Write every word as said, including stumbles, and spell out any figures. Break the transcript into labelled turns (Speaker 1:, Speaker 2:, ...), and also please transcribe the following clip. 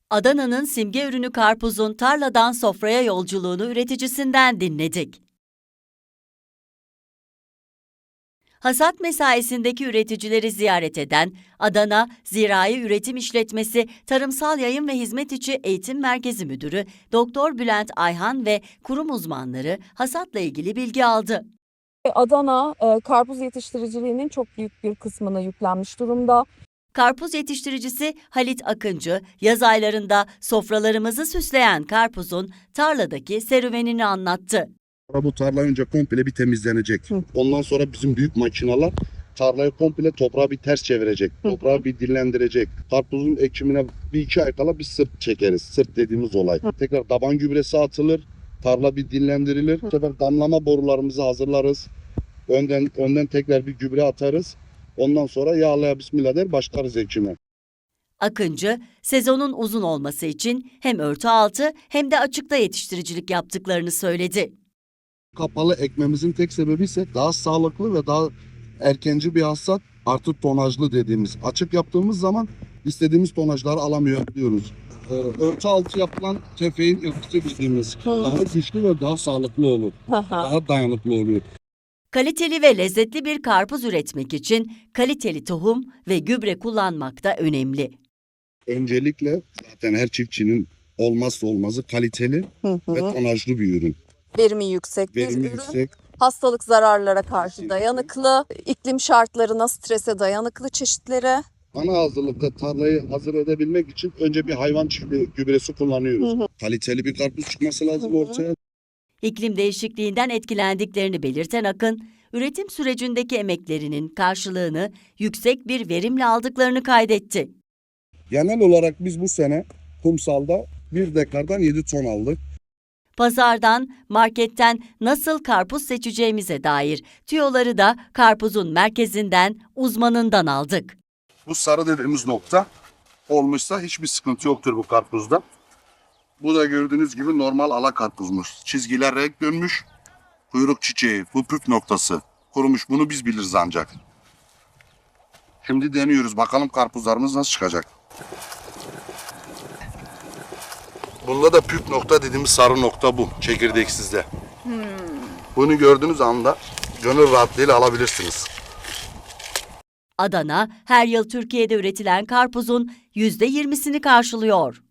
Speaker 1: Adana'nın simge ürünü karpuzun tarladan sofraya yolculuğunu üreticisinden dinledik. Hasat mesaisindeki üreticileri ziyaret eden Adana Zirai Üretim İşletmesi Tarımsal Yayın ve Hizmet İçi Eğitim Merkezi Müdürü Doktor Bülent Ayhan ve kurum uzmanları hasatla ilgili bilgi aldı.
Speaker 2: Adana e, karpuz yetiştiriciliğinin çok büyük bir kısmına yüklenmiş durumda.
Speaker 1: Karpuz yetiştiricisi Halit Akıncı, yaz aylarında sofralarımızı süsleyen karpuzun tarladaki serüvenini anlattı.
Speaker 3: Bu tarla önce komple bir temizlenecek. Hı. Ondan sonra bizim büyük makineler tarlayı komple toprağı bir ters çevirecek. Hı. Toprağı bir dinlendirecek. Karpuzun ekimine bir iki ay kala bir sırt çekeriz. Sırt dediğimiz olay. Hı. Tekrar taban gübresi atılır. Tarla bir dinlendirilir. Hı. Bu sefer damlama borularımızı hazırlarız. Önden önden tekrar bir gübre atarız. Ondan sonra yağlaya bismillah der başlarız ekime.
Speaker 1: Akıncı, sezonun uzun olması için hem örtü altı hem de açıkta yetiştiricilik yaptıklarını söyledi.
Speaker 3: Kapalı ekmemizin tek sebebi ise daha sağlıklı ve daha erkenci bir hasat, artı tonajlı dediğimiz. Açık yaptığımız zaman istediğimiz tonajları alamıyor diyoruz. Ee, örtü altı yapılan tefeğin yapısı dediğimiz daha güçlü ve daha sağlıklı olur. Daha dayanıklı oluyor.
Speaker 1: Kaliteli ve lezzetli bir karpuz üretmek için kaliteli tohum ve gübre kullanmak da önemli.
Speaker 3: Öncelikle zaten her çiftçinin olmazsa olmazı kaliteli
Speaker 2: Hı hı.
Speaker 3: ve tonajlı bir ürün.
Speaker 2: Verimi yüksek bir
Speaker 3: Verimi
Speaker 2: ürün.
Speaker 3: yüksek.
Speaker 2: Hastalık zararlara karşı dayanıklı, iklim şartlarına, strese dayanıklı çeşitleri.
Speaker 3: Ana hazırlıkta tarlayı hazır edebilmek için önce bir hayvan çiftliği gübresi kullanıyoruz. Hı hı. Kaliteli bir karpuz çıkması lazım
Speaker 2: Hı hı.
Speaker 3: ortaya.
Speaker 1: İklim değişikliğinden etkilendiklerini belirten Akın, üretim sürecindeki emeklerinin karşılığını yüksek bir verimle aldıklarını kaydetti.
Speaker 3: Genel olarak biz bu sene kumsalda bir dekardan yedi ton aldık.
Speaker 1: Pazardan, marketten nasıl karpuz seçeceğimize dair tüyoları da karpuzun merkezinden, uzmanından aldık.
Speaker 3: Bu sarı dediğimiz nokta olmuşsa hiçbir sıkıntı yoktur bu karpuzda. Bu da gördüğünüz gibi normal ala karpuzmuş. Çizgiler renk dönmüş. Kuyruk çiçeği, bu püf noktası. Kurumuş, bunu biz biliriz ancak. Şimdi deniyoruz. Bakalım karpuzlarımız nasıl çıkacak. Bunda da püf nokta dediğimiz sarı nokta bu. Çekirdeksizde. Hmm. Bunu gördüğünüz anda gönül rahatlığıyla alabilirsiniz.
Speaker 1: Adana, her yıl Türkiye'de üretilen karpuzun yüzde yirmisini karşılıyor.